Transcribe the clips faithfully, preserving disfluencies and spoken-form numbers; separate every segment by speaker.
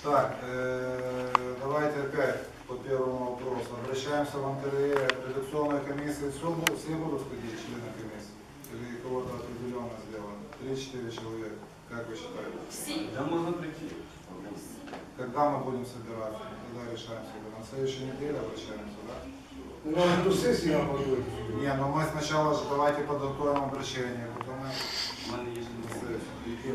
Speaker 1: Так, э, давайте опять по первому вопросу. Обращаемся в НКРЕ. Редакционная комиссия. Все, будут- все будут входить члены комиссии? Или кого-то определенно сделано? Три-четыре человека. Как вы считаете?
Speaker 2: Все.
Speaker 3: Да можно прийти.
Speaker 1: Когда мы будем собираться? Когда решаем себя? На следующей неделе обращаемся, да?
Speaker 4: Ну, на эту сессию нам подводить.
Speaker 1: Не, ну мы сначала же давайте подготовим обращение, потом мы
Speaker 3: У мене є ще
Speaker 1: на
Speaker 3: не
Speaker 1: сессию.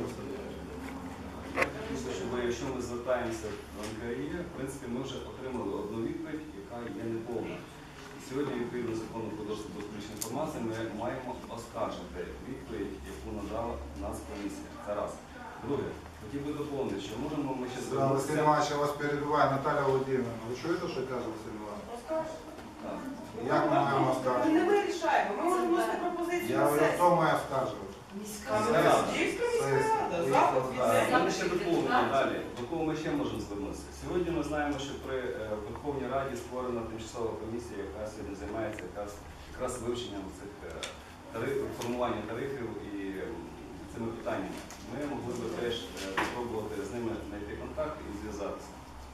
Speaker 3: Тому що ми, якщо ми звертаємося в НКРЕ, в принципі, ми вже отримали одну відповідь, яка є неповна. І сьогодні, відповідно закону про доступ до публічної інформації, ми маємо оскаржити відповідь, яку надала Нацкомісія. Це раз. Друге, хотів би доповнити, що можемо ми ще
Speaker 1: Да, Василий
Speaker 3: звернутися.
Speaker 1: Иванович, я вас перебиваю. Наталья Владимировна, ви чуєте, що каже Василь Іванович?
Speaker 3: Так.
Speaker 1: Як ми маємо
Speaker 5: Ми
Speaker 1: оскаржувати?
Speaker 5: не вирішаємо, ми можемо вносити пропозицію
Speaker 1: Я
Speaker 5: на
Speaker 1: говорю, хто
Speaker 5: сесію.
Speaker 1: має оскаржувати?
Speaker 5: Київська міська рада, запит від
Speaker 3: У
Speaker 5: неї.
Speaker 3: мене ще доповнення далі. До кого ми ще можемо звернутися? Сьогодні ми знаємо, що при е, Верховній Раді створена тимчасова комісія, яка сьогодні займається якраз, якраз вивченням цих е, тарифів, формування тарифів і е, цими питаннями. Ми могли би теж е, спробувати з ними знайти контакт і зв'язатися.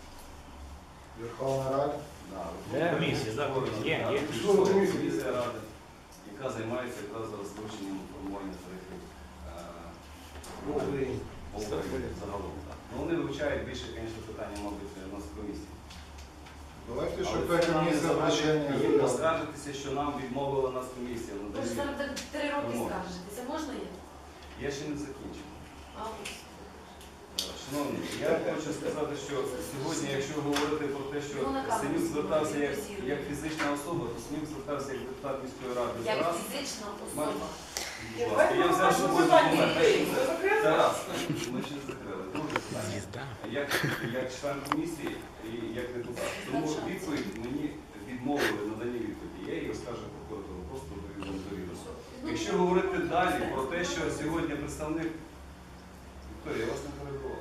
Speaker 1: Верховна Рада?
Speaker 3: Да,
Speaker 6: Де? Комісія, да,
Speaker 3: створена,
Speaker 6: є,
Speaker 3: да,
Speaker 6: є.
Speaker 3: тимчасова комісія Ради, яка займається якраз зараз вивченням формування тарифів. е,
Speaker 4: Ну, Україні.
Speaker 3: по Україні загалом. Так. Ну, вони вивчають більше, звісно, питання, мабуть, у нас в комісії.
Speaker 1: Давайте,
Speaker 3: Але
Speaker 1: щоб
Speaker 3: це
Speaker 1: та
Speaker 3: нам не
Speaker 1: комісія
Speaker 3: заважає
Speaker 1: обращення
Speaker 3: їм
Speaker 1: зробила.
Speaker 3: поскаржитися, що нам відмовила нас комісія.
Speaker 2: Ви ж
Speaker 3: надані.
Speaker 2: зараз так три роки
Speaker 3: Вимоги.
Speaker 2: скаржитеся. Можна є?
Speaker 3: Я ще не закінчив.
Speaker 2: А, ось.
Speaker 3: Шановні, я хочу сказати, що сьогодні, якщо говорити про те, що
Speaker 2: Ну, на камеру
Speaker 3: Синюк звертався як,
Speaker 2: фіксуємо.
Speaker 3: як фізична особа, то Синюк звертався як депутат міської ради.
Speaker 2: Як
Speaker 3: Зараз,
Speaker 2: фізична
Speaker 3: Мар-
Speaker 2: особа.
Speaker 3: будь ласка, я взяв з собою документ.
Speaker 5: Ви закрили?
Speaker 3: Це раз. Ми ще не закрили. Друге питання. Як, як член комісії і як депутат. Тому відповідь мені відмовили надані відповіді. Я її розкажу прокуратуру, просто довідом довідомо. Якщо говорити далі про те, що сьогодні представник Вікторія, я вас не перебував.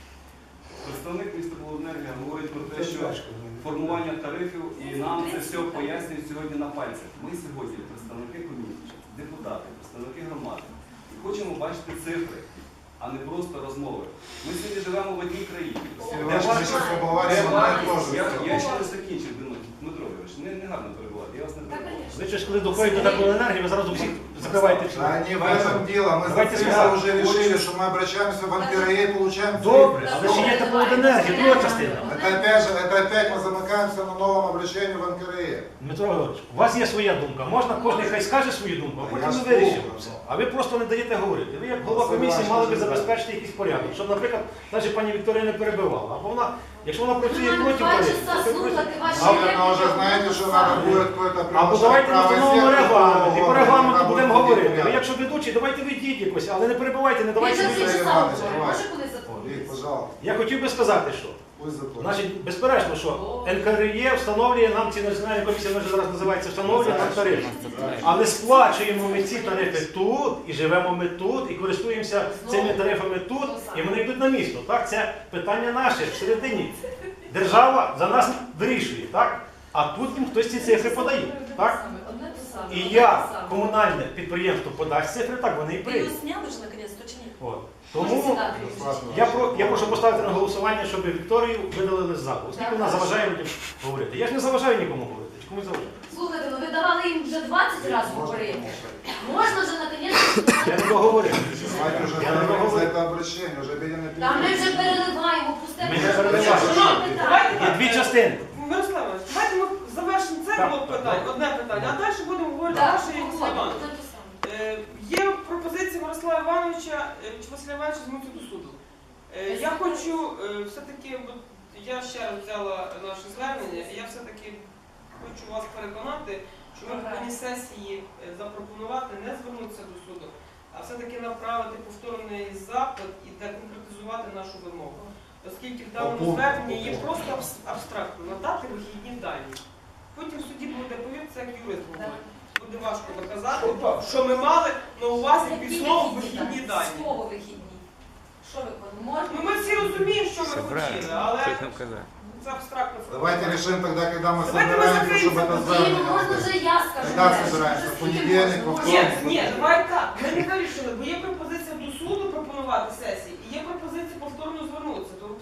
Speaker 3: Представник міста Володенергія говорить про те, що формування тарифів і нам це все пояснюють сьогодні на пальцях. Ми сьогодні представники комісії, депутати, представники громади. І хочемо бачити цифри, а не просто розмови. Ми сьогодні живемо в одній країні.
Speaker 1: Василь Іванович, ми зараз поговоримо,
Speaker 3: Де
Speaker 1: ми
Speaker 3: ваш-
Speaker 1: теж.
Speaker 3: Я, я ще не закінчив, Дмитро Ігорович, не, не гарно перебувати, я вас не
Speaker 2: Так,
Speaker 3: перебував.
Speaker 2: звісно.
Speaker 6: Ви ж коли доходите до теплоенергії, ви зразу всіх закриваєте
Speaker 1: Да
Speaker 6: члени.
Speaker 1: не в этом дело. Мы
Speaker 6: Давайте
Speaker 1: за
Speaker 6: сюда.
Speaker 1: уже решили, что мы обращаемся в НКРЕ и получаем
Speaker 6: Добре,
Speaker 1: цифры.
Speaker 6: але ще є теплоенергія, друга частина.
Speaker 1: Это опять же, это опять мы замыкаемся на новом обращении в НКРЕ.
Speaker 6: Дмитро Григорович, у вас є своя думка. Можна, кожен хай скаже свою думку, а
Speaker 1: Я
Speaker 6: потім ми
Speaker 1: слухаю.
Speaker 6: вирішимо. А ви просто не даєте говорити. Ви як голова
Speaker 1: Василь
Speaker 6: комісії
Speaker 1: Іванович,
Speaker 6: мали би
Speaker 1: дуже
Speaker 6: забезпечити якийсь порядок. Щоб, наприклад, навіть пані Вікторія не перебивала. Або вона, якщо вона працює
Speaker 2: Вона
Speaker 6: проти
Speaker 2: два
Speaker 6: тарифів,
Speaker 2: часа
Speaker 6: то ви
Speaker 2: слухати
Speaker 6: просите.
Speaker 2: ваші
Speaker 1: Наверное, уже знаете, что надо будет какой-то
Speaker 6: Або давайте ми встановимо регламент, і по регламенту будемо говорити. Ви якщо ведучий, давайте ведіть якось, але не перебивайте, не
Speaker 2: Він
Speaker 6: давайте.
Speaker 2: же
Speaker 1: Василь
Speaker 2: три
Speaker 6: мені-
Speaker 2: часа
Speaker 1: Іванович,
Speaker 2: говорить.
Speaker 1: давай.
Speaker 2: Може коли
Speaker 1: Вик,
Speaker 2: заповнити?
Speaker 1: пожалуйста,
Speaker 6: Я хотів би сказати, що.
Speaker 1: пусть заплатит.
Speaker 6: Значить, безперечно, що НКРЕ встановлює нам ці національні комісії, вона вже зараз називається, встановлює нам тарифи. Але сплачуємо ми ці тарифи тут, і живемо ми тут, і користуємося цими тарифами тут, і вони йдуть на місто. Так? Це питання наше всередині. Держава за нас вирішує, так? А тут їм хтось ці цифри подає. Так?
Speaker 2: Одне те саме.
Speaker 6: І
Speaker 2: одне
Speaker 6: я,
Speaker 2: те саме.
Speaker 6: комунальне підприємство, подасть цифри, так вони і
Speaker 2: Ви
Speaker 6: прийдуть.
Speaker 2: його зняли ж наконець-то чи ні?
Speaker 6: От.
Speaker 2: Може
Speaker 6: Тому
Speaker 2: сідати?
Speaker 6: я, про, я прошу поставити на голосування, щоб Вікторію видалили з залу. Оскільки вона заважає людям говорити. Я ж не заважаю нікому говорити. Чи комусь заважаю?
Speaker 2: Слухайте, ну ви давали їм вже двадцять разів говорити. Можна вже наконець-то.
Speaker 6: Я не договорив.
Speaker 1: Давайте уже
Speaker 6: Я не
Speaker 1: договорим за
Speaker 6: договорив.
Speaker 1: это обращение, уже обеденный
Speaker 2: Та ми
Speaker 1: период.
Speaker 2: вже переливаємо, пусте.
Speaker 6: Ми не переливаємо.
Speaker 5: Давайте
Speaker 6: Є
Speaker 5: так.
Speaker 6: дві частини.
Speaker 5: Мирослав Іванович, давайте ми завершимо це
Speaker 6: Так,
Speaker 5: блок
Speaker 6: так,
Speaker 5: питань,
Speaker 6: так.
Speaker 5: одне питання, а далі будемо говорити
Speaker 2: Так,
Speaker 5: наше і Василя Івановича.
Speaker 2: одне те саме.
Speaker 5: Е, Є пропозиція Мирослава Івановича, е, чи Василя Івановича звернутися до суду. Е, Я хочу е, все-таки, от я ще раз взяла наше звернення, і я все-таки хочу вас переконати, що ми повинні сесії е, запропонувати не звернутися до суду, а все-таки направити повторний запит і конкретизувати нашу вимогу. Оскільки в даному
Speaker 1: По пункту,
Speaker 5: зверненні
Speaker 1: по
Speaker 5: є
Speaker 1: пункту.
Speaker 5: просто абс- абстрактно надати вихідні дані. Потім в суді буде, повірте, як юрист говорить. Буде важко доказати, що ми мали на увазі
Speaker 2: Які
Speaker 5: під словом
Speaker 2: вихідні
Speaker 5: вихідні дані.
Speaker 2: Слово вихідні. Що ви можна?
Speaker 5: Ну, ми всі розуміємо, що ми хотіли, але це абстрактно.
Speaker 1: Давайте решим тогда, когда мы
Speaker 5: Давайте мы
Speaker 1: собираемся, чтобы
Speaker 5: закроемся.
Speaker 1: это
Speaker 2: Ні,
Speaker 1: здание.
Speaker 2: ну можна вже я скажу.
Speaker 1: Когда
Speaker 2: далі.
Speaker 1: собираемся? В
Speaker 2: Скільки
Speaker 1: понедельник,
Speaker 2: можна?
Speaker 1: во
Speaker 5: Ні,
Speaker 1: вторник?
Speaker 5: ні, давай так. Ми не вирішили, бо є пропозиція до суду пропонувати сесії, і є пропозиція повторно звернутися. То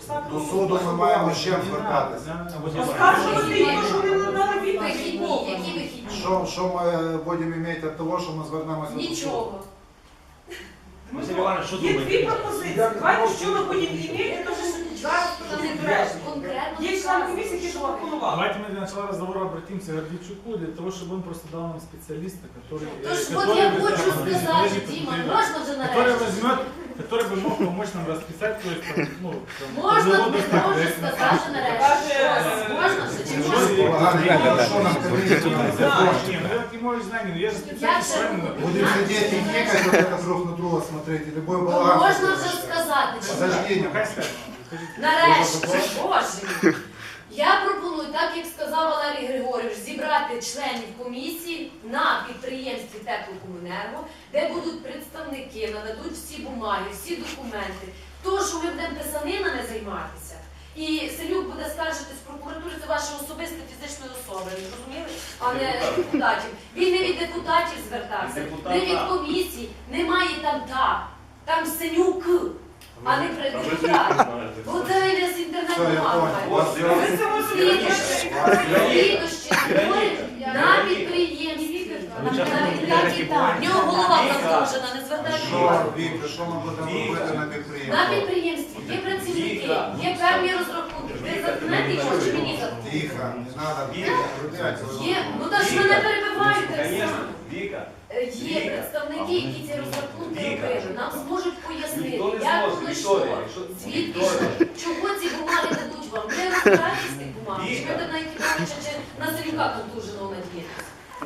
Speaker 5: написати.
Speaker 1: До суду ми маємо ще звертатися.
Speaker 5: Оскаржувати їх, що вони не надали відповідь.
Speaker 2: Вихідні, які вихідні?
Speaker 1: Що, що ми будемо мати від того, що ми звернемося до суду?
Speaker 2: Нічого.
Speaker 6: Василь Іванович, що
Speaker 5: Є дві
Speaker 6: думаєте?
Speaker 5: пропозиції. Давайте, що ми будемо мати, то що зараз
Speaker 2: Там
Speaker 5: не
Speaker 2: не
Speaker 5: треба.
Speaker 2: треба конкретно.
Speaker 5: Є член комісії, який запропонував.
Speaker 7: Давайте мы для начала разговора обратимся к Гордичуку, для того, чтобы он просто дал нам специалиста, который, э,
Speaker 2: Тож, от
Speaker 7: который,
Speaker 2: я
Speaker 7: бы,
Speaker 2: хочу
Speaker 7: да,
Speaker 2: сказати,
Speaker 7: подтвердит,
Speaker 2: Діма,
Speaker 7: подтвердит,
Speaker 2: можна вже
Speaker 7: который
Speaker 2: нарешті?
Speaker 7: возьмет, который бы мог помочь нам расписать, то есть, там, ну, там,
Speaker 2: Можна,
Speaker 7: производную
Speaker 2: не можу
Speaker 7: статью.
Speaker 2: сказати нарешті.
Speaker 5: Каже,
Speaker 2: Ось, можна вже чи
Speaker 7: Що
Speaker 2: можна?
Speaker 7: є?
Speaker 1: Поганий, що нам комісію не
Speaker 7: Не,
Speaker 1: закончить?
Speaker 7: ну я не можу знати, ну я ж
Speaker 2: Я
Speaker 7: специалист
Speaker 2: ще-
Speaker 7: правильно.
Speaker 1: Будем сидеть и никать, вот это друг на друга смотреть, и любой
Speaker 2: Ну,
Speaker 1: баланс.
Speaker 2: можна вже сказати, чи ні?
Speaker 1: Подожди,
Speaker 7: Ну,
Speaker 1: не
Speaker 7: хай скаже. Скажіть.
Speaker 2: Нарешті, боже мій. Я пропоную, так як сказав Валерій Григорійович, зібрати членів комісії на підприємстві Теплокомуненерго, де будуть представники, нададуть всі бумаги, всі документи. То, що ми будемо писанинами займатися. І Селюк буде скаржитись в прокуратурі, це ваше особисте фізичної особи, ви зрозуміли? А не депутатів. Він не від депутатів звертався, не від комісій, немає там так. Там Селюк, а не при депутат. Бо це йде з
Speaker 1: Все, я
Speaker 2: інтернету
Speaker 1: понял.
Speaker 2: мало.
Speaker 1: Вас
Speaker 5: Ви це можете
Speaker 2: Слідощі створюють на підприємстві. На підприємстві. В нього голова заслужена, не звертайте
Speaker 1: Що,
Speaker 2: увагу.
Speaker 1: Віктор, що ми будемо робити на
Speaker 2: На
Speaker 1: підприємстві?
Speaker 2: підприємстві є працівники, є певні розрахунки. Ви заткнете його чи мені заткнути?
Speaker 1: Тихо, не треба
Speaker 2: Є, ну та ж ви не перебиваєте
Speaker 3: Конечно,
Speaker 2: сам.
Speaker 3: Віка,
Speaker 2: Е, Є представники, які ці розрахунки робили. Нам зможуть пояснити,
Speaker 3: ніхто не
Speaker 2: як
Speaker 3: зможе,
Speaker 2: воно
Speaker 3: Вікторія,
Speaker 2: йшло,
Speaker 3: якщо
Speaker 2: звідки
Speaker 3: Вікторія.
Speaker 2: йшло, чого ці бумаги дадуть вам. Ви розбираєтесь з тих бумаг, чи
Speaker 3: Віка.
Speaker 2: ви на Якимовича чи на Селюка контуженого надієтесь?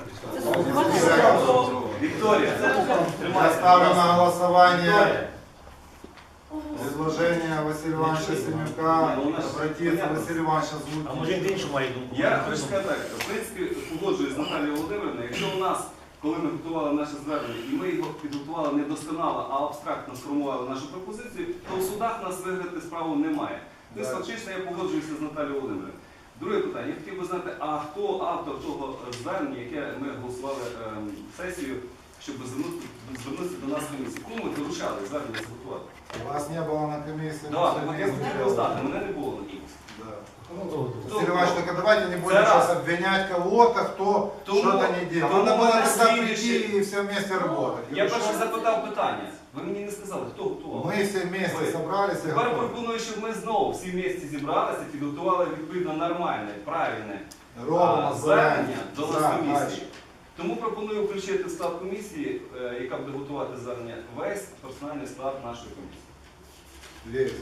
Speaker 3: Вікторія,
Speaker 1: Я ставлю на голосування
Speaker 3: Вікторія.
Speaker 1: предложение Василия Ивановича Семюка
Speaker 3: Ну, у нас
Speaker 1: обратиться
Speaker 3: понятно.
Speaker 1: Василий Иванович
Speaker 6: А
Speaker 1: озвучить.
Speaker 6: може він іншу має думку?
Speaker 3: Я хочу сказати так, в принципі, погоджуюсь з Наталією Володимирівною, якщо у нас, коли ми готували наше звернення, і ми його підготували не досконало, а абстрактно сформували нашу пропозицію, то в судах нас виграти справу немає. Тобто,
Speaker 1: Так.
Speaker 3: фактично, я погоджуюся з Наталією Володимирівною. Друге питання. Я хотів би знати, а хто автор того звернення, яке ми голосували ем, сесію, щоб звернути- звернутися до нас в комісії? Кому ми доручали звернення зготувати?
Speaker 1: Вас не было на комиссии.
Speaker 3: Да, так от я хотів знати, мене не було на комісії.
Speaker 1: Да.
Speaker 3: Хто-
Speaker 1: Василий Иванович, только давайте не будем
Speaker 3: Это раз.
Speaker 1: сейчас обвинять кого-то, кто
Speaker 3: Тому-
Speaker 1: что-то не делал.
Speaker 3: тому
Speaker 1: Надо было
Speaker 3: на
Speaker 1: тогда
Speaker 3: слідуючий-
Speaker 1: прийти и все вместе работать.
Speaker 3: Я перше запитав питання. Ви мені не сказали, хто готував.
Speaker 1: Мы все вместе
Speaker 3: Ви.
Speaker 1: собрались и
Speaker 3: Тепер
Speaker 1: готовы.
Speaker 3: пропоную, щоб ми знову всі вместе зібралися і підготували відповідно нормальне, правильне
Speaker 1: Ровно,
Speaker 3: а, звернення до
Speaker 1: За,
Speaker 3: нас
Speaker 1: дальше.
Speaker 3: комісії. Тому пропоную включити в склад комісії, е, яка буде готувати звернення, весь персональний склад нашої комісії.
Speaker 1: Весь.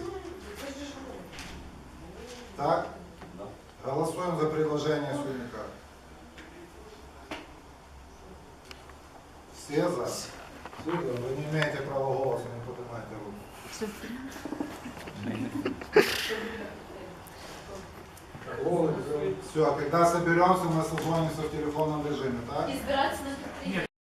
Speaker 1: Так?
Speaker 3: Да.
Speaker 1: Голосуем за предложение Суника. Все за? Вы не имеете права голоса, не поднимайте руку. Все, когда соберемся, мы созвонимся в телефонном режиме, так?
Speaker 2: І збиратися на підприємстві.